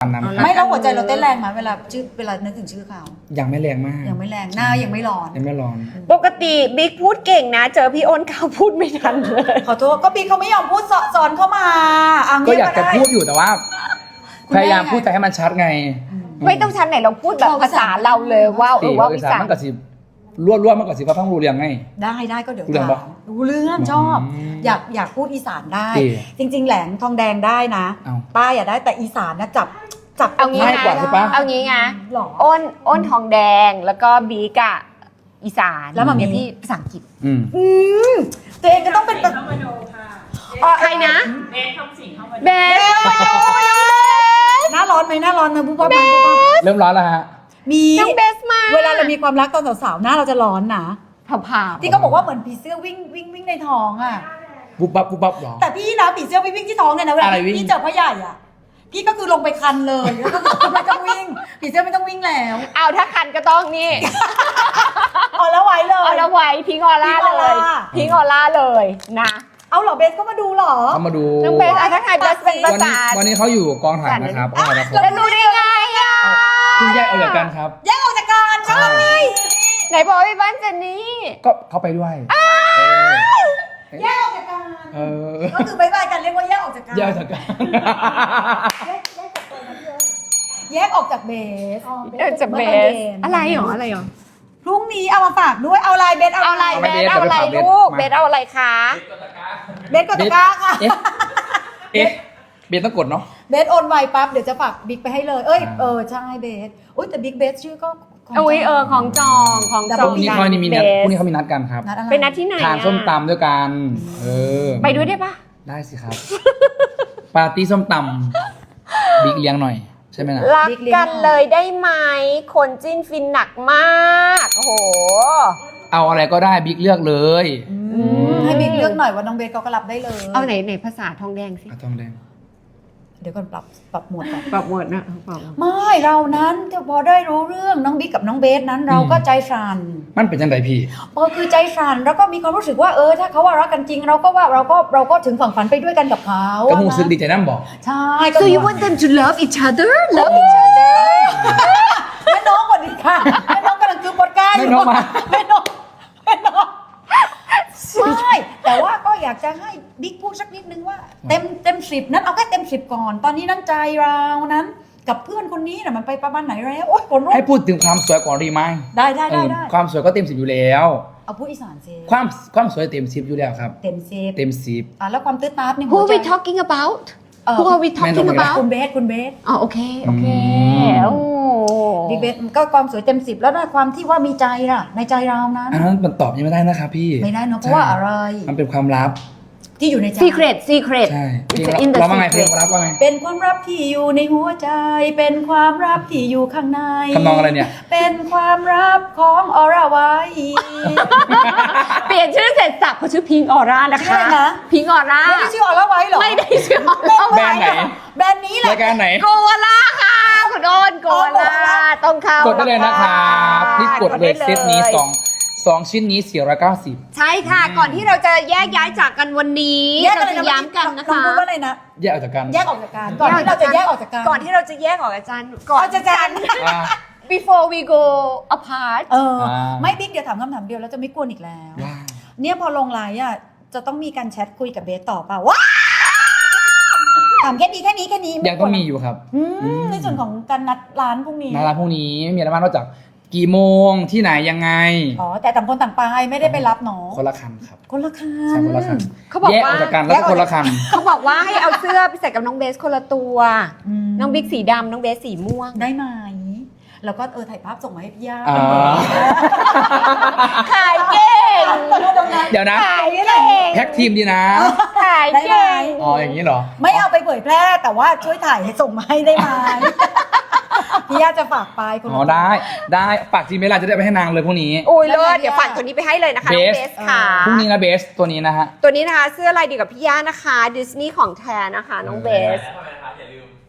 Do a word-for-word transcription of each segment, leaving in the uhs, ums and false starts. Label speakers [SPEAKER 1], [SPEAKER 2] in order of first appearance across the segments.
[SPEAKER 1] ไม่แล้วหัวใจเราเต้นแรงไหมเวลาชื่อเวลานึกถึงชื่อเขา
[SPEAKER 2] ยังไม่แรงมาก
[SPEAKER 1] ยังไม่แรงหน้ายังไม่ร้อน
[SPEAKER 2] ยังไม่ร้อน
[SPEAKER 3] ปกติบิ๊กพูดเก่งนะ เจอพี่อ้นเขาพูดไม่ทันเลย
[SPEAKER 1] ขอโทษก็ปีเขาไม่ยอมพูดสอนเข้ามาอ่ะ
[SPEAKER 2] ก็อยากจะพูดอยู่แต่ว่า พยายามพูดแต่ให้มันชัดไง
[SPEAKER 3] ไม่ต้องชันไหนเราพูดแบบภาษาเราเลยว่าเอ
[SPEAKER 2] ตี
[SPEAKER 3] อว่า
[SPEAKER 2] ว่า
[SPEAKER 3] วิ
[SPEAKER 2] อีสา
[SPEAKER 3] สาน
[SPEAKER 2] มันก็สิรวดรวดมันก็สิว่าฟังรู้เรื่องไง
[SPEAKER 1] ได้ได้ก็เดี๋ยว
[SPEAKER 2] รู้เรื่อง
[SPEAKER 1] ถา
[SPEAKER 2] ปะ
[SPEAKER 1] มรู้เรื่องชอบ
[SPEAKER 2] อืม
[SPEAKER 1] อยากอยากพูดอีสานได้
[SPEAKER 2] ดี
[SPEAKER 1] จริง ๆ แหลงทองแดงได้นะ
[SPEAKER 2] เอา
[SPEAKER 1] ป้าอยากได้แต่อีสานนะจับจับ
[SPEAKER 3] เอางี้
[SPEAKER 2] ง่ายกว่า
[SPEAKER 3] นะ
[SPEAKER 2] ใช่ปะ
[SPEAKER 3] เอางี้ไง
[SPEAKER 1] หรอ
[SPEAKER 3] อ้นอ้นทองแดงแล้วก็บิ๊กอะอีสาน
[SPEAKER 1] แล้วมันมี
[SPEAKER 3] เดี๋ยพี่ภาษาอังกฤษ
[SPEAKER 2] อืม
[SPEAKER 1] อืมตัวเองก็ต้องเป็น
[SPEAKER 4] เข้ามาดูค่ะ
[SPEAKER 1] อ๋อ
[SPEAKER 3] ใครนะ
[SPEAKER 4] เบสทำสิ่งเข้ามาดู
[SPEAKER 3] เบสมาดูน้องเบส
[SPEAKER 1] หน้าร้อนไหมหน้าร้อนไหมผู้ป้าผู้ป้า
[SPEAKER 2] เริ่มร้อนแล้วฮะ
[SPEAKER 1] มี
[SPEAKER 3] น้องเบสมา
[SPEAKER 1] เวลาเรามีความรักตอนสาวๆหน้าเราจะร้อนนะ
[SPEAKER 3] ผ่า
[SPEAKER 1] ที่เขาบอกว่าเหมือนผีเสื้อวิ่งวิ่งวิ่งในท้องอ่ะ
[SPEAKER 2] ปุ๊บปั๊บปุ๊บปั๊บหรอ
[SPEAKER 1] แต่พี่นะผีเสื้อวิ่งวิ่งที่ท้องเนี่ยนะเวลา
[SPEAKER 2] อะไรวิ่ง
[SPEAKER 1] พี่เจอพ่อใหญ่อ่ะพี่ก็คือลงไปคันเลยแล้วก็ไม่ต้องวิ่งผีเสื้อไม่ต้องวิ่งแล้ว
[SPEAKER 3] เอาถ้าคันก็ต้องนี่
[SPEAKER 1] เอาแล้วไว้เลย
[SPEAKER 3] เอาละไว้พิงออร่า
[SPEAKER 1] พิงออ
[SPEAKER 3] เล
[SPEAKER 1] ร่า
[SPEAKER 3] ยพิงออร่าเลยนะ
[SPEAKER 1] เอาเหรอเบสก็มาดูเหรอ
[SPEAKER 2] เขามาดู
[SPEAKER 3] น้องเบสอะถ้าใครเบสเป็นภา
[SPEAKER 2] วัน
[SPEAKER 3] ษา
[SPEAKER 2] นี้วันนี้เขาอยู่กองถ่ายนะครับกองถ่ายละคร
[SPEAKER 3] แล้วดูได้ไงอะ
[SPEAKER 2] เพิ่งแยกออกจากกันครับ
[SPEAKER 1] แยกออกจากกันใช่ไหม
[SPEAKER 3] ไหนบอกว่าไปบ้านเจนนี่
[SPEAKER 2] ก็เขาไปด้วยเออ
[SPEAKER 1] แยกออกจากกัน
[SPEAKER 2] เออ
[SPEAKER 1] ก็คือบายบายกันเรียกว่าแยกออกจากกัน
[SPEAKER 2] แยกออกจากกัน
[SPEAKER 1] แยกออกจากเบส
[SPEAKER 3] เออจะเบสอะไรหรออะไรหรอ
[SPEAKER 1] พรุ่งนี้เอามาฝากด้วยเอาอะไรเบสเอา
[SPEAKER 3] เอาอะไร
[SPEAKER 2] เอา
[SPEAKER 3] เบ
[SPEAKER 2] ไป
[SPEAKER 3] สเอาอะไร
[SPEAKER 2] เบส
[SPEAKER 3] ลูก
[SPEAKER 2] มา
[SPEAKER 3] เบสเอาอะไรคะ
[SPEAKER 1] เบสกดตะกร้าค่ะ
[SPEAKER 2] เอ๊ะเอ๊ะเบสต้องกดเนาะ
[SPEAKER 1] เบสโอนไวปั๊บเดี๋ยวจะฝากบิ๊กไปให้เลย เอ้ย เออ ใช่เบสอุ้ยแต่บิ๊กเบสชื่อก็ขง
[SPEAKER 3] อุ้ยเออของจองของ
[SPEAKER 1] แต่
[SPEAKER 3] จ
[SPEAKER 2] พ
[SPEAKER 3] อง
[SPEAKER 2] รุ่งนี้เขามีนัดพรุ่งนี้เขามีนัดกันครับ
[SPEAKER 1] นัดอะไร
[SPEAKER 3] เป็นนัดที่ไหน
[SPEAKER 2] ทาน
[SPEAKER 3] อะ
[SPEAKER 2] ส้มตำด้วยกันเออ
[SPEAKER 3] ไปด้วยได้ปะ
[SPEAKER 2] ได้สิครับ ปาร์ตี้ส้มตำบิ๊กเลี้ยงหน่อย ใช่ไหมนะ
[SPEAKER 3] รักกันเลยได้ไหมคนจิ้นฟินหนักมากโอ้โห
[SPEAKER 2] เอาอะไรก็ได้บิ๊กเลือกเลย
[SPEAKER 1] อืมให้บิ๊กเลือกหน่อยว่าน้องเบสเขาก็รับได้เลย
[SPEAKER 3] เอาไหนไหนภาษาทองแดงสิ
[SPEAKER 2] อะทองแดง
[SPEAKER 1] เดี๋ยวก่อนปรับปรับหมวดก่อน
[SPEAKER 3] ปรับหมดนะปรับ
[SPEAKER 1] ไม่เรานั้นพอได้รู้เรื่องน้องบิ๊กกับน้องเบสนั้นเราก็ใจสั่น
[SPEAKER 2] มันเป็นจังไดพี่
[SPEAKER 1] เออคือใจสั่นแล้วก็มีความรู้สึกว่าเออถ้าเขาว่ารักกันจริงเราก็ว่าเราก็เราก็ถึงฝั่งฝันไปด้วยกันกับเขา
[SPEAKER 2] ก็หูซึกดีใจน้ำบอก
[SPEAKER 1] ใช่ก็
[SPEAKER 3] So you want them to love each other love each other
[SPEAKER 1] แม่น้องก่อนดีค่ะแม่น้องกำลังคือปอดก้าอยู่
[SPEAKER 2] แม่น้องมา
[SPEAKER 1] แม่น้องแม่น้องใช่แต่ว่าก็อยากจะให้บิ๊กพูดสักนิดนึงว่า เต็มเต็มสิบนั้นเอาแค่เต็มสิบก่อน ตอนนี้น้ำใจเรานั้น กับเพื่อนคนนี้น่ะมันไปประมาณไหนแล้วโอ๊ยผลรู้
[SPEAKER 2] ให้พูดถึงความสวยก่อนดีไหม
[SPEAKER 1] ได้ได้
[SPEAKER 2] เอ
[SPEAKER 1] ได้
[SPEAKER 2] อ
[SPEAKER 1] ได้
[SPEAKER 2] ความสวยก็เต็มสิบอยู่แล้ว
[SPEAKER 1] เอาพูดอีสานซิ
[SPEAKER 2] ความความสวยเต็มสิบอยู่แล้วครับ
[SPEAKER 1] เต็มสิบ
[SPEAKER 2] เต็มสิบ
[SPEAKER 1] อ่ะแล้วความตื้อตาบนี่
[SPEAKER 3] Who
[SPEAKER 1] หัว
[SPEAKER 3] are
[SPEAKER 1] ใจ
[SPEAKER 3] we talking about
[SPEAKER 1] เอ่อ
[SPEAKER 3] Who are we talking
[SPEAKER 2] แม่น้อง
[SPEAKER 3] about
[SPEAKER 1] คุณเบสคุณเบส
[SPEAKER 3] อ๋อโอเคโอเค
[SPEAKER 2] อืม
[SPEAKER 3] โอ้
[SPEAKER 1] บิ๊กเบสก็ความสวยเต็มสิบแล้วนะความที่ว่ามีใจล่ะ ในใจเรานั้น
[SPEAKER 2] อันนั้นมันตอบยังไม่ได้นะครับพี่
[SPEAKER 1] ไม่ได้เนอะเพราะว่าอะไร
[SPEAKER 2] มันเป็นความลับ
[SPEAKER 1] ที่อยู่ในใจ
[SPEAKER 3] secret secret
[SPEAKER 2] ใช่เพลง
[SPEAKER 3] It's in the
[SPEAKER 2] เราว่าไงเพลง
[SPEAKER 3] secret
[SPEAKER 2] เราว่าไง
[SPEAKER 1] เป็นความลับที่อยู่ในหัวใจ เป็นความลับที่อยู่ข้างใน
[SPEAKER 2] ทำนองอะไรเนี่ย
[SPEAKER 1] เป็นความลับของอรไว้
[SPEAKER 3] เปลี่ยนชื่อเสร็จสับเขาชื่อพิงออร่านะ
[SPEAKER 1] ชื่อ
[SPEAKER 3] คะ
[SPEAKER 1] อะไรนะ
[SPEAKER 3] พิงออร่า
[SPEAKER 1] ไม่ได้ชื่ออรไว้เหรอ
[SPEAKER 3] ไม่ได้ชื่อออร่า
[SPEAKER 2] แบรนด์ไหน
[SPEAKER 1] แบรนด์นี้แหละ
[SPEAKER 2] รายการไหน
[SPEAKER 3] โกวาล่าค่ะคุณโดนโกวาล่าต้องเข้าก
[SPEAKER 2] ดได้เลยนะครับรีบกดเลย
[SPEAKER 3] ไ
[SPEAKER 2] เซตนี้สองสองชิ้นนี้สี่ร้อยเก้าสิบ
[SPEAKER 3] ใช่ค่ะ ก่อนที่เราจะแยกย้ายจากกันวันนี้
[SPEAKER 1] แยก
[SPEAKER 3] เรา
[SPEAKER 1] อะไร
[SPEAKER 3] จะ
[SPEAKER 1] นะ
[SPEAKER 3] ย้ำกันนะ
[SPEAKER 1] ลอง
[SPEAKER 3] คะ
[SPEAKER 1] พูดว่าอะไรนะ
[SPEAKER 2] แยกออกจากกัน
[SPEAKER 1] แยกออกจากกัน ก่อนที่เราจะแยกออกจากกัน
[SPEAKER 3] ก่อนที่เราจะแยกออกจากกันก่อน
[SPEAKER 1] ออกจากกัน
[SPEAKER 2] อ่า
[SPEAKER 3] before we go apart
[SPEAKER 1] เออ
[SPEAKER 2] อ่า
[SPEAKER 1] ไม่บิ๊กเดี๋ยวถามคำถามเดียวแล้วจะไม่กวนอีกแล้ว
[SPEAKER 2] ว้าว
[SPEAKER 1] เนี่ยพอลงไลน์อ่ะจะต้องมีการแชทคุยกับเบสต่อเปล่าว้าถามแค่นี้แค่นี้แค่นี้
[SPEAKER 2] ยังต้องมีอยู่ครับ
[SPEAKER 1] อืมในส่วนของการนัดร้านพรุ่งนี้
[SPEAKER 2] นาราพรุ่งนี้ไม่มีอะไรมากนอกจากกี่โมงที่ไหนยังไง
[SPEAKER 1] อ๋อแต่ต่างคนต่างไปไม่ได้ไปรับเนาะ
[SPEAKER 2] คนละคันครับ
[SPEAKER 1] คนละคั
[SPEAKER 2] ใช่
[SPEAKER 1] น
[SPEAKER 2] คนละคัน
[SPEAKER 3] เขาบอก
[SPEAKER 2] แยกอ
[SPEAKER 3] ว่า
[SPEAKER 2] อกจากกันแล้วก็คนละคัน
[SPEAKER 3] เขาบอกว่าให้เอาเสื้อไปใส่กับน้องเบสคนละตัว
[SPEAKER 1] ม
[SPEAKER 3] น้องบิ๊กสีดำน้องเบสสีม่วง
[SPEAKER 1] ได้ไหมแล้วก็เออถ่ายภาพส่งมาให้พี่ย่า
[SPEAKER 2] อ่า
[SPEAKER 3] ขายเก่ง
[SPEAKER 2] เดี๋ยวนะ
[SPEAKER 3] ขายเก่ง
[SPEAKER 2] แพ็กทีมดีนะ
[SPEAKER 3] ขาย
[SPEAKER 1] ได้ไหม
[SPEAKER 3] เก่ง
[SPEAKER 2] อ๋ออย่างนี้เหรอ
[SPEAKER 1] ไม่เอาไปเผยแพร่แต่ว่าช่วยถ่ายให้ส่งมาให้ได้ไหมพี่ย่าจะฝากไปคนละ
[SPEAKER 2] อ๋อได้ได้ฝากจีเมลจะได้ไปให้นางเลยพรุ่งนี้
[SPEAKER 3] โอ้ยเลิศเดี๋ยวฝากตัวนี้ไปให้เลยนะคะน้อง
[SPEAKER 2] เบส
[SPEAKER 3] เบสค่ะ
[SPEAKER 2] พรุ่งนี้นะเบสตัวนี้นะฮะ
[SPEAKER 3] ตัวนี้นะคะเสื้อลายเดียวกับพี่ย่านะคะดิสนีย์ของแท้นะคะน้องเบส
[SPEAKER 4] ทำไมนะครับอย่าลืม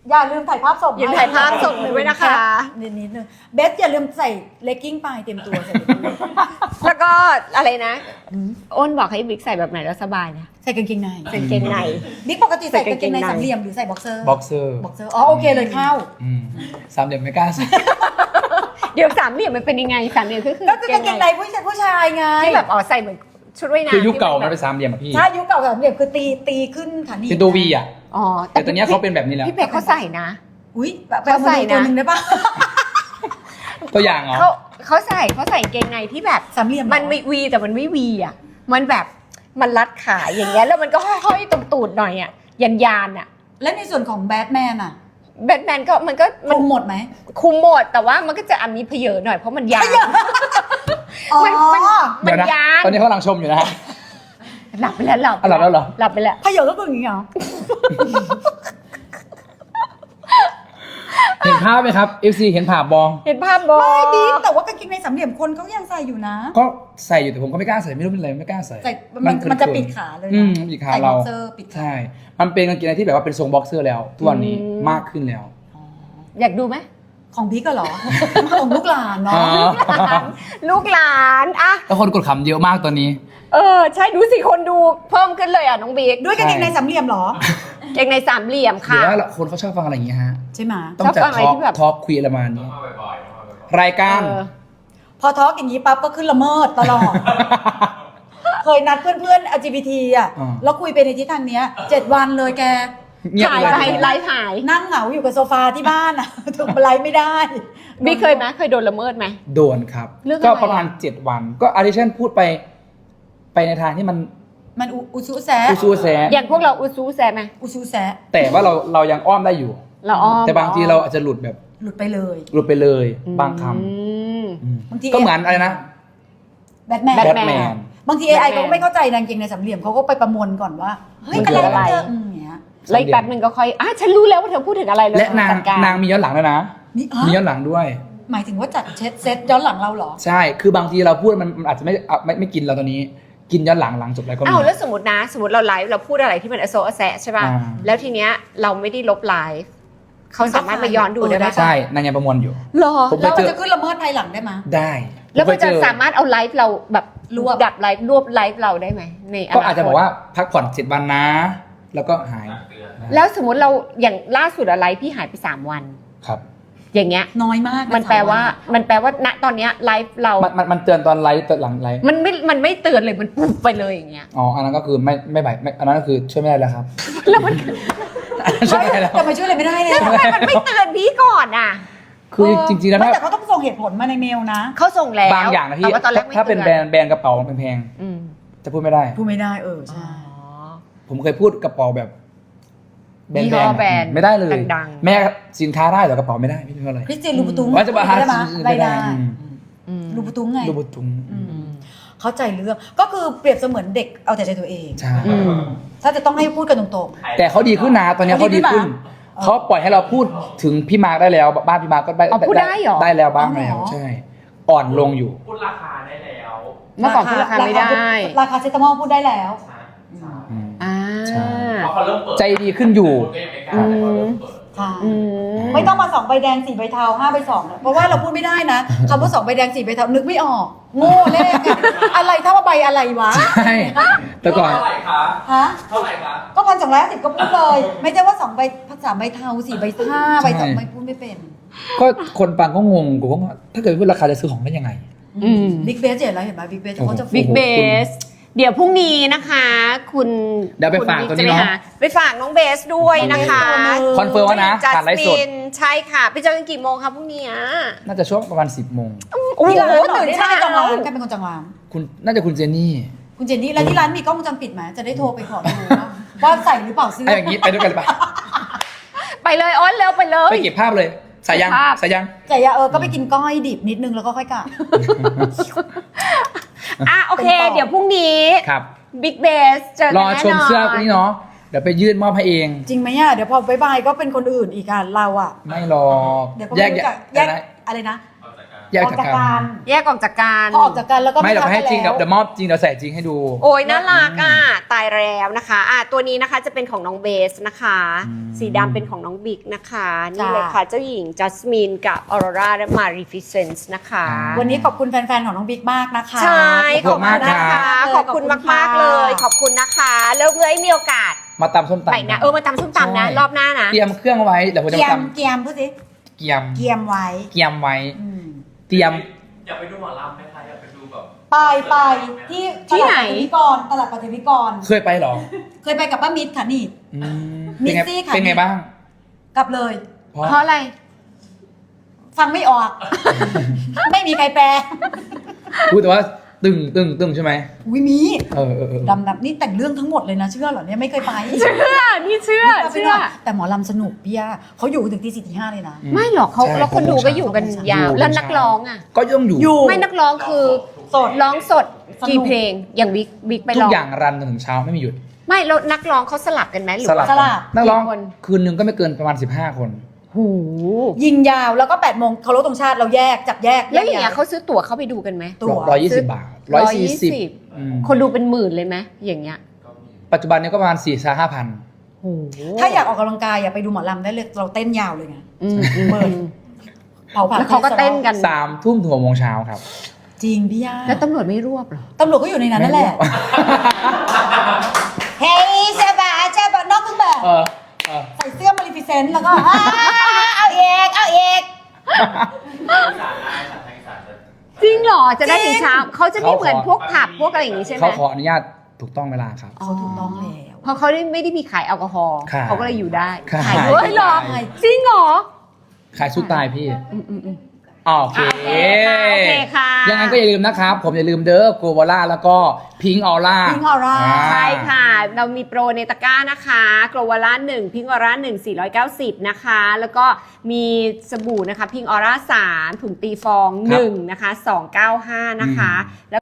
[SPEAKER 1] อย่าลืมถ่ายภาพส่ง
[SPEAKER 3] อย่าถ่ายภาพส่งหนูด้วยนะคะ
[SPEAKER 1] นิดนิดนึงเบสอย่าลืมใส่เลกกิ้งไปเตรียมตัวใส่เลกกิ้ง
[SPEAKER 3] แล้วก็อะไรนะอ้นบอกให้บิ๊กใส่แบบไหนแล้วสบายนะ
[SPEAKER 1] ใส่กางเกงใน
[SPEAKER 3] ใส่กางเกงใน
[SPEAKER 1] บิ๊กปกติใส่กางเกงใน
[SPEAKER 3] ใส่กางเกงใน
[SPEAKER 1] สามเหลี่ยมหรือใส่บ็อกเซอร์
[SPEAKER 2] บ็อกเซอร์
[SPEAKER 1] บ็อกเซอร์อ๋อโอเคเลยเข้า
[SPEAKER 2] อืมสามเหลี่ยมไม่กล้าใส่
[SPEAKER 3] เดี๋ยวสามเหลี่ยมมันเป็นยังไงสามเหลี่ยมก็คือ
[SPEAKER 1] ก็คือกางเกงในผู้ชายผู้ชายไง
[SPEAKER 3] ที่แบบอ๋อใส่เหมือนชุดว่ายน้ำ
[SPEAKER 2] คือยุคเก่า
[SPEAKER 3] ที่
[SPEAKER 2] มัน
[SPEAKER 3] แบ
[SPEAKER 2] เป็น
[SPEAKER 3] บ
[SPEAKER 2] สามเหลี่ยมอะพี่
[SPEAKER 1] ใช่ยุคเก่าสามเหลี่ยมคือตีตีขึ้นขาหนีบ
[SPEAKER 2] เป็นตัววีอ่ะ
[SPEAKER 3] อ๋อ
[SPEAKER 2] แต่ตอนเนี้ยเขาเป็นแบบนี้แล้ว
[SPEAKER 3] พี่เป๊กเขาใส่นะ
[SPEAKER 1] อุ้ยแบบ
[SPEAKER 3] เขาใส่นะ
[SPEAKER 1] ตัวหนึ่งได้ปะ
[SPEAKER 2] ตัวอย่างเหรอ
[SPEAKER 3] เขาเขาใส่เขาใส่กางเกงในที่แบบ
[SPEAKER 1] สามเหลี่ยม
[SPEAKER 3] มันไม่วีแต่มันไม่วีอ่ะมันแบบมันรัดขาอย่างเงี้ยแล้วมันก็ห้อยๆตรงตูดหน่อยอ่ะยันยานๆอ่ะ
[SPEAKER 1] และในส่วนของแบทแมนอ่ะ
[SPEAKER 3] แบทแมนก็มันก็
[SPEAKER 1] ค
[SPEAKER 3] มัน
[SPEAKER 1] ลุมหมดไหม
[SPEAKER 3] คุมหมดแต่ว่ามันก็จะอ่ะมีเพเยอหน่อยเพราะมันยาว
[SPEAKER 1] อ๋อ
[SPEAKER 3] มันมัน
[SPEAKER 2] เดี๋ยวนะ
[SPEAKER 3] ยาน
[SPEAKER 2] ตอนนี้เขากำลังชมอยู่นะฮะ
[SPEAKER 3] หลับไปแล้วหลับ
[SPEAKER 2] อ่ะหลับแล้วเหรอ
[SPEAKER 3] หลับไปแล้ว
[SPEAKER 1] พยศก็คืออย่างนี้เหรอ
[SPEAKER 2] เห็นภาพไหมครับ เอฟ ซี เห็นภาพบอ
[SPEAKER 3] เห็นภาพบอ
[SPEAKER 1] ไม่บิ๊กแต่ว่ากางเกงในสามเหลี่ยมคนเขายังใส่อยู่นะ
[SPEAKER 2] ก็ใส่อยู่แต่ผมก็ไม่กล้าใส่ไม่รู้เป็นอะไรไม่กล้าใส่
[SPEAKER 1] ใส่มัน
[SPEAKER 2] เขิ
[SPEAKER 1] มันจะ
[SPEAKER 2] ๆ
[SPEAKER 1] ปิดขาเลย
[SPEAKER 2] อื
[SPEAKER 1] นะ
[SPEAKER 2] มปิดขา
[SPEAKER 1] ใส่บ็
[SPEAKER 2] เรา
[SPEAKER 1] อกเซอร์ปิดขา
[SPEAKER 2] ใช่ มันเป็นกางเกงในที่แบบว่าเป็นทรงบ็อกเซอร์แล้วทุกวันนี้มากขึ้นแล้ว
[SPEAKER 3] อยากดูไหม
[SPEAKER 1] ของบิ๊กก็เหรอ ของลูกหลานเนาะ
[SPEAKER 2] อ๋อ
[SPEAKER 3] ลูกหลานอะ
[SPEAKER 2] แล้วคนกดขำเยอะมากตอนนี้
[SPEAKER 3] เออใช่ดูสิคนดูเพิ่มขึ้นเลยอ่ะน้องบิ๊ก
[SPEAKER 1] ด้วยกางเกงในสามเหลี่ยมเหรอ
[SPEAKER 3] เกงในสามเหลี่ยม
[SPEAKER 2] หรื
[SPEAKER 3] ค่ะ
[SPEAKER 2] อว่าคนเขาชอบฟังอะไรอย่างเงี้ยฮะ
[SPEAKER 1] ใช่ไหม
[SPEAKER 2] ต้องจัด
[SPEAKER 3] ชอบฟังอะไร
[SPEAKER 2] ทอล์ก
[SPEAKER 3] ที่แบบ
[SPEAKER 2] ทอล์กคุยอะไรประมาณนี้ รายการ
[SPEAKER 3] เออ
[SPEAKER 1] พอทอล์กอย่างนี้ปั๊บก็ขึ้นละเมิดตลอด เคยนัดเพื่อนๆ แอล จี บี ที อ่ะ
[SPEAKER 2] อ่า
[SPEAKER 1] แล้วคุยไปในทิศทางเนี้ยเจ็ดวันเลยแก
[SPEAKER 2] เงียบ
[SPEAKER 3] หาย
[SPEAKER 2] เลย
[SPEAKER 3] ไปไลฟ์หาย
[SPEAKER 1] นั่งเหงาอยู่กับโซฟาที่บ้านอ่ะ ถูกไลฟ์ไม่ได้
[SPEAKER 3] บิ๊กเคยไหมเคยโดนละเมิดไหม
[SPEAKER 2] โดนครับ
[SPEAKER 3] เรื่องอะไร
[SPEAKER 2] ก็ประมาณเจ็ดวัน ก็อาริชันพูดไป ไปในทางที่มัน
[SPEAKER 1] มันอุอุซุแซะ
[SPEAKER 2] อูซูแซะ
[SPEAKER 3] อย่างพวกเราอุซูแซไหม
[SPEAKER 1] อุซุแซะ
[SPEAKER 2] แต่ว่าเราเรายังอ้อมได้อยู่
[SPEAKER 3] เราอ้อม
[SPEAKER 2] แต่บางทีเราอาจจะหลุดแบบ
[SPEAKER 1] หลุดไปเลย
[SPEAKER 2] หลุดไปเลย บางค
[SPEAKER 3] อืม
[SPEAKER 2] ำอืม
[SPEAKER 1] บางที
[SPEAKER 2] ก็เหมือนอะไรนะ
[SPEAKER 1] แบทแมน
[SPEAKER 3] แบ
[SPEAKER 2] แบ
[SPEAKER 3] ท
[SPEAKER 2] ทแมน
[SPEAKER 1] บางที เอ ไอ
[SPEAKER 3] Batman
[SPEAKER 1] ก็ไม่เข้าใจนางเกงในสามเหลี่ยมเขาก็ไปประมวลก่อนว่า เฮ้ย
[SPEAKER 2] มัน
[SPEAKER 1] อะ
[SPEAKER 2] คือ
[SPEAKER 1] ไร
[SPEAKER 2] อะไร
[SPEAKER 1] มันจะอืมอย่างเงี้ย
[SPEAKER 3] แล้วอีกแป๊บนึงก็ค่อยอ่ะฉันรู้แล้วว่าเธอพูดถึงอะไรเลย
[SPEAKER 2] และนาง
[SPEAKER 3] จัดการ
[SPEAKER 2] นางมีย้อนหลังด้วยนะ
[SPEAKER 1] นี่ฮะ
[SPEAKER 2] มีย้อนหลังด้วย
[SPEAKER 1] หมายถึงว่าจัดเช็ดเซตย้อนหลังเราเหรอ
[SPEAKER 2] ใช่ คือบางทีเราพูดมันมันอาจจะไม่อ่ะไม่ไม่กินเราตอนนี้ กินย้อนหลังหลังจบแล้วก็มี
[SPEAKER 3] อ้าวแล้วสมมตินะ สมมติเราไลฟ์เราพูดอะไรที่มันอโซอแซะใช่ป่ะ
[SPEAKER 2] อ่า
[SPEAKER 3] แล้วทีเนี้ยเราไม่ได้ลบไลฟ์เขาสามารถมาย้อนดูได้ไหม
[SPEAKER 1] เออได้
[SPEAKER 2] ใช่นางยังประมวลอยู่
[SPEAKER 3] หรอ
[SPEAKER 2] ผม
[SPEAKER 1] แล้ว
[SPEAKER 2] ไป
[SPEAKER 1] มัน
[SPEAKER 2] เจอ
[SPEAKER 1] จะขึ้นละเมิดภายหลังได้ไหมย
[SPEAKER 2] ได้
[SPEAKER 3] แล้วมัน
[SPEAKER 2] ผ
[SPEAKER 3] จะ
[SPEAKER 2] ไปเอ
[SPEAKER 3] สามารถเอาไลฟ์เราแบบ
[SPEAKER 1] รวบ
[SPEAKER 3] ดับไลฟ์รวบไลฟ์เราได้ไหมในนคต
[SPEAKER 2] ก็อาจจะบอกว่าพักผ่อนเจ็ดวันนะ แล้วก็หาย
[SPEAKER 3] แล้วสมมติเราอย่างล่าสุดอะไรพี่หายไปสามวัน
[SPEAKER 2] ครับ
[SPEAKER 3] อย่างเงี้ย
[SPEAKER 1] น้อยมากะ
[SPEAKER 3] มันแปลว่า
[SPEAKER 1] สมน
[SPEAKER 3] มันแปลว่าณตอนเนี้ยไลฟ์เรา
[SPEAKER 2] มันมันมันเตือนตอนไลฟ์ตอนหลังไลฟ์
[SPEAKER 3] มันไม่มันไม่เตือนเลยมันปุ๊บไปเลยอย่างเงี้ย
[SPEAKER 2] อ๋อ อันนั้นก็คือไม่ไม่ไหวไม่อันนั้นก็คือช่วยไม่ได้แล้วครับ
[SPEAKER 3] แล้วมัน
[SPEAKER 2] อันนั้นช่วยไม่ได้แล้ว
[SPEAKER 1] แต่มาช่วยอะไรไม่ได้เลย
[SPEAKER 3] แล้วทำไมมันไม่เตือนพี่ก่อนอ่ะ
[SPEAKER 2] คือจริงๆแล้ว
[SPEAKER 1] ไม่
[SPEAKER 2] ถ้า
[SPEAKER 1] แต่เขาต้องส่งเหตุผลมาในเมลนะ
[SPEAKER 3] เขาส่งแล้ว
[SPEAKER 2] บางอย่างนะพี่
[SPEAKER 3] แต่ว่าตอนแรกไม่
[SPEAKER 2] ถ้าเป็น
[SPEAKER 3] ตือ
[SPEAKER 2] แบรนด์แบรนด์กระเป๋าแพง
[SPEAKER 3] อืม
[SPEAKER 2] ๆจะพูดไม่ได้
[SPEAKER 1] พูดไม่ได้เออ
[SPEAKER 3] อ๋
[SPEAKER 1] ใช่
[SPEAKER 3] อ
[SPEAKER 2] ผมเคยพูดกระเป๋าแบบแบรน
[SPEAKER 3] ยี่
[SPEAKER 2] ด์
[SPEAKER 3] ห้อ
[SPEAKER 2] แบรนด์
[SPEAKER 3] แบรนด์
[SPEAKER 2] ไม่ได้เลย
[SPEAKER 3] ดังๆ
[SPEAKER 2] แม้สินค้าได้แต่กระเป๋าไม่ได้ไม่รู้อะไร
[SPEAKER 1] คริสเตียนลูบูตุง
[SPEAKER 2] ว่าจะมาหา
[SPEAKER 1] ได้ไหม
[SPEAKER 2] ซื้อ
[SPEAKER 1] ได้
[SPEAKER 2] ไม่ได้
[SPEAKER 1] ได้
[SPEAKER 2] อืม
[SPEAKER 3] อืม
[SPEAKER 1] ลูบูตุงไง
[SPEAKER 2] ลูบุตุง
[SPEAKER 1] อืมเข้าใจเรื่องก็คือเปรียบเสมือนเด็กเอาแต่ใจตัวเอง
[SPEAKER 2] ใช่
[SPEAKER 3] อืม
[SPEAKER 1] ถ้าจะต้องให้พูดกันตรง
[SPEAKER 2] แต่เขาดีขึ้นนะตอนนี้เขาดีขึ้น เขาปล่อยให้เราพูดถึงพี่มาร์กได้แล้วบ้านพี่มาร์กก็ได้
[SPEAKER 3] อ๋อพูดได้เหรอ
[SPEAKER 2] ได้แล้วบ้างแล้วใช่ อ่อนลงอยู่
[SPEAKER 4] พูดราคาได้แล้ว
[SPEAKER 1] ๆ
[SPEAKER 3] เมื่อก่อนพูดราคาไม่ได้
[SPEAKER 1] ราคาเซตามอลพูดได้แล้ว
[SPEAKER 4] ใช่ใช่
[SPEAKER 2] อืม
[SPEAKER 3] อ่า
[SPEAKER 2] ใช่
[SPEAKER 4] เพราะเขาเริ่มเปิด
[SPEAKER 2] ใจดีขึ้นอยู่
[SPEAKER 4] พูดไม่กล้าแต่เขาเริ่มเปิด
[SPEAKER 1] ใช่
[SPEAKER 3] อืม
[SPEAKER 1] ไม่ต้องมาสองใบแดงสี่ใบเทาห้าใบสองเพราะว่าเราพูดไม่ได้นะคำว่าสองใบแดงสี่ใบเทานึกไม่ออกโง่เลขอะอะไรเท่าว่าใบอะไรวะ
[SPEAKER 2] ใช่แต่ก่อน
[SPEAKER 4] เท่าไหร่คะ
[SPEAKER 1] ฮะ
[SPEAKER 4] เท่าไหร่คะ
[SPEAKER 1] ก็พันสองร้อยสิบก็พูดเลย ไม่ใช่ว่าสองใบสามใบเทาสี่ใบห้าใบสองใบพูดไม่เป็น
[SPEAKER 2] ก็คนฟังก็งงกูก็ว่าถ้าเกิดพูดราคาจะซื้อของได้ยังไง
[SPEAKER 3] อืม
[SPEAKER 1] บิ๊กเบสเห็นแล้วเห็นไหมบิ๊กเบสเขาจะ
[SPEAKER 3] บิ๊ก
[SPEAKER 2] โอ้โห
[SPEAKER 3] เบส เดี๋ยวพรุ่งนี้นะคะ คุณ
[SPEAKER 2] เดี๋ยวไป
[SPEAKER 3] คุณ
[SPEAKER 2] ฝาก
[SPEAKER 3] บิ๊
[SPEAKER 2] ตัวนี้
[SPEAKER 3] จะไป
[SPEAKER 2] เนอะ
[SPEAKER 3] หาไปฝากน้องเบสด้วยนะคะ
[SPEAKER 2] คอนเฟิร์มว่านะ
[SPEAKER 3] จัส
[SPEAKER 2] ผ่านไลฟ์สด
[SPEAKER 3] มินใช่ค่ะ ไปเจอกันกี่โมงคะพรุ่งนี้อ่ะ
[SPEAKER 2] น่าจะช่วงประมาณสิบโมง
[SPEAKER 3] โอ้โห
[SPEAKER 1] ที่ร้านเหรอ
[SPEAKER 3] ตื่น
[SPEAKER 1] ที่
[SPEAKER 3] เช้า
[SPEAKER 1] ร้านเป็นคนจองร้านใครเป็นคนจองร้าน
[SPEAKER 2] คุณน่าจะคุณเจนนี่
[SPEAKER 1] คุณเจนนี่แล้วที่ร้านมีกล้องวงจรปิดไหมจะได้โทรไปขอดูว่าว่าใส่หรือเปล่าเสื้อ
[SPEAKER 2] ไอ้อย่างนี้ไปด้วยกันเลยปะ
[SPEAKER 3] ไปเลยอ้อนเร็วไปเลย
[SPEAKER 2] ไปเก็บภาพเลยสายยัง
[SPEAKER 3] เก็บภาพ
[SPEAKER 2] สายยัง
[SPEAKER 1] แต่อย่าเออก็ไปกินก้อยดิบนิดนึงแล้วก็ค่อยกลับ
[SPEAKER 3] อ่ะโอเค
[SPEAKER 1] เป็นต่อ
[SPEAKER 3] เดี๋ยวพรุ่งนี้
[SPEAKER 2] ครับ
[SPEAKER 3] บิ๊กเบสเจอ
[SPEAKER 2] ร
[SPEAKER 3] กัน
[SPEAKER 2] อ
[SPEAKER 3] แน่นอน
[SPEAKER 2] ชมเสื้อนี้เนาะเดี๋ยวไปยื่นมอบให้เอง
[SPEAKER 1] จริงไหมอ่ะเดี๋ยวพอบายบายก็เป็นคนอื่นอีกอ่ะเราอ่ะ
[SPEAKER 2] ไม่หรอก
[SPEAKER 1] เดี๋ยวก็
[SPEAKER 2] แย
[SPEAKER 1] ไม่
[SPEAKER 2] ก
[SPEAKER 1] รู้
[SPEAKER 2] แย
[SPEAKER 1] จั
[SPEAKER 2] ก
[SPEAKER 1] กแยก
[SPEAKER 2] อะไรนะ
[SPEAKER 1] อะไรนะ
[SPEAKER 4] เอาจากการ
[SPEAKER 2] แยก
[SPEAKER 1] ออก
[SPEAKER 2] จาก
[SPEAKER 1] จาก
[SPEAKER 2] กั
[SPEAKER 1] กัน น
[SPEAKER 3] แยกออกจากกัน
[SPEAKER 1] พอออกจากกันแล้วก็
[SPEAKER 2] ไม่เดี๋ยว
[SPEAKER 1] ทัก
[SPEAKER 2] ให้จริง
[SPEAKER 1] กัน
[SPEAKER 2] เดี๋ยว
[SPEAKER 1] แล้ว
[SPEAKER 2] เดี๋ยวมอบจริงเดี๋ยวใส่จริงให้ดู
[SPEAKER 3] โอ้ยน่ารักอ่ะตายแล้วนะคะอ่ะตัวนี้นะคะจะเป็นของน้องเบสนะคะ
[SPEAKER 2] อืม
[SPEAKER 3] สีดำเป็นของน้องบิ๊กนะคะนี่เลยค่ะเจ้าหญิงจัสมินกับออโรราและมารีฟิเซนส์นะคะ
[SPEAKER 1] วันนี้ขอบคุณแฟนๆของน้องบิ๊กมากนะคะ
[SPEAKER 3] ใช่
[SPEAKER 2] ขอบคุณมาก
[SPEAKER 3] นะคะ
[SPEAKER 1] รับ
[SPEAKER 3] ขอบคุณมากๆเลย ขอบคุณนะคะแล้วเมื่อมีโอกาส
[SPEAKER 2] มาตำส้มตำ
[SPEAKER 3] ไปนะเออมาตำส้มตำนะ
[SPEAKER 2] ใช่
[SPEAKER 3] รอบหน้านะ
[SPEAKER 2] เตรียมเครื่องไว้เดี๋ยวผมจะ
[SPEAKER 1] เกีย
[SPEAKER 2] มาม ต
[SPEAKER 1] เกียมพูดสิ
[SPEAKER 2] ำเกียม
[SPEAKER 1] เกียมไว้
[SPEAKER 2] เกียมไว้
[SPEAKER 1] อืม
[SPEAKER 2] เตรียม
[SPEAKER 4] อยากไปดูหมอลำไหมคะอยากไปดูแบบ
[SPEAKER 1] ไปไปที่
[SPEAKER 3] ที่ไหน
[SPEAKER 1] ตลาดปฐวิกรตลาดปฐวิกร
[SPEAKER 2] เคยไปเหรอ
[SPEAKER 1] เคยไปกับป้ามิตรค่ะนี่
[SPEAKER 2] อืม
[SPEAKER 1] มิ
[SPEAKER 2] เป็นไง
[SPEAKER 1] สซี่ค่ะ
[SPEAKER 2] เป็นไงบ้าง
[SPEAKER 1] กลับเลย
[SPEAKER 2] เพราะ
[SPEAKER 3] เพราะอะไร
[SPEAKER 1] ฟังไม่ออก ไม่มีใครแปล
[SPEAKER 2] พูดแต่ว่าตึงตึงตึงใช่ไหม
[SPEAKER 1] อุ้ยมี
[SPEAKER 2] เออเออเออ
[SPEAKER 1] ดำดำนี่แต่งเรื่องทั้งหมดเลยนะเชื่อเหรอเนี่ยไม่เคยไป
[SPEAKER 3] เชื่อนี่เชื่อ
[SPEAKER 1] ไม่
[SPEAKER 3] เชื่
[SPEAKER 1] ไป
[SPEAKER 3] อ
[SPEAKER 1] หรกแต่หมอลำสนุกพี่ย่าเขาอยู่ถึงตีสี่ตีห้าเลยนะ
[SPEAKER 3] ไม่หรอกเขา
[SPEAKER 2] ใช่
[SPEAKER 3] แล้วคนดูก็อยู่กันยาว
[SPEAKER 2] อยู่
[SPEAKER 3] แล้วนักร้องอ่ะ
[SPEAKER 2] ก็ต้องอยู่
[SPEAKER 1] อยู่
[SPEAKER 3] ไม่นักร้องคือ
[SPEAKER 1] สด
[SPEAKER 3] ร้องสด
[SPEAKER 1] สนุก
[SPEAKER 3] กี่เพลงอย่างบิ๊กบิ๊กไป
[SPEAKER 2] ทุ
[SPEAKER 3] ร้
[SPEAKER 2] ก
[SPEAKER 3] อง
[SPEAKER 2] อย่างรันจนถึงเช้าไม่มีหยุด
[SPEAKER 3] ไม่แล้วนักร้องเขาสลับกันไหมหรือ
[SPEAKER 2] สลับ
[SPEAKER 3] ว่า
[SPEAKER 1] สลับ
[SPEAKER 2] นักร้อง
[SPEAKER 3] กี่คน
[SPEAKER 2] คืนหนึ่งก็ไม่เกินประมาณสิบห้าคน
[SPEAKER 3] หู
[SPEAKER 1] ยิงยาวแล้วก็แปดโมงเคารพธงชาติเราแยกจับแยก
[SPEAKER 3] แล้วอย่างเงี้ยเขาซื้อตั๋วเข้าไปดูกันไหม
[SPEAKER 1] ตั๋ว
[SPEAKER 2] ร้อยยี่สิบบาทร้อยสี่สิบ
[SPEAKER 3] คนดูเป็นหมื่นเลยไหมอย่างเงี้ย
[SPEAKER 2] ปัจจุบันนี้ก็ประมาณสี่สห้าพัน
[SPEAKER 3] โอ้
[SPEAKER 1] ถ้าอยากออกกำลังกายอย่าไปดูหมอลำได้เลยเราเต้นยาวเลยไง
[SPEAKER 3] อืมอืม
[SPEAKER 1] เปิด เผาผ่า
[SPEAKER 3] แล้วเขาก็เต้นกัน
[SPEAKER 2] สามทุ่มถึงหกโมงเช้าครับ
[SPEAKER 1] จริงพี่ย่า
[SPEAKER 3] แล้วตำรวจไม่รวบเหรอ
[SPEAKER 1] ตำรวจก็อยู่ในนั้นนั่นแหละ เฮ้ยใช่ปะใช่ปะนอกเครื่องแบบ
[SPEAKER 2] เออเออ
[SPEAKER 1] ใส่เสื้อมาริฟิเซนต์แล้วก็อ่าเอาเอกเอาเอก
[SPEAKER 4] อีสานได้ค่ะทางอีสานจะ
[SPEAKER 3] จริงเหรอจะได้ถึงเช้าเขาจะไม่
[SPEAKER 2] เขาขอ
[SPEAKER 3] เหมือนพวกผับพวกอะไรอย่างงี้ใช่ไหม
[SPEAKER 2] เขาขออนุญาตถูกต้องเวลาครับ
[SPEAKER 1] เขาถูกต้องแล้ว
[SPEAKER 3] เพราะเขาไม่ได้มีขายแอลกอฮอล์
[SPEAKER 2] ขาย
[SPEAKER 3] เขาก็เลยอยู่ได้
[SPEAKER 2] ขาย
[SPEAKER 3] ขายด้วยเหรอ
[SPEAKER 2] ขาย
[SPEAKER 3] จริงเหรอ
[SPEAKER 2] ขายสู้ตายพี่
[SPEAKER 3] อืมอืมอืม
[SPEAKER 2] โอเค
[SPEAKER 3] โอเคค่ะโอเคค่ะ
[SPEAKER 2] ยังไงก็อย่าลืมนะครับ ผมอย่าลืมเด้อโกวาล่าแล้วก็พิงออร่า
[SPEAKER 1] Pink Aura
[SPEAKER 3] ใช่ค่ะ เรามีโปรในตะกร้านะคะโกลวาร่าหนึ่งพิงออร่าหนึ่งสี่ร้อยเก้าสิบนะคะ แล้วก็มีสบู่นะคะพิงออร่าสามถุงตีฟองหนึ่งนะคะสองเก้าห้านะคะแล้ว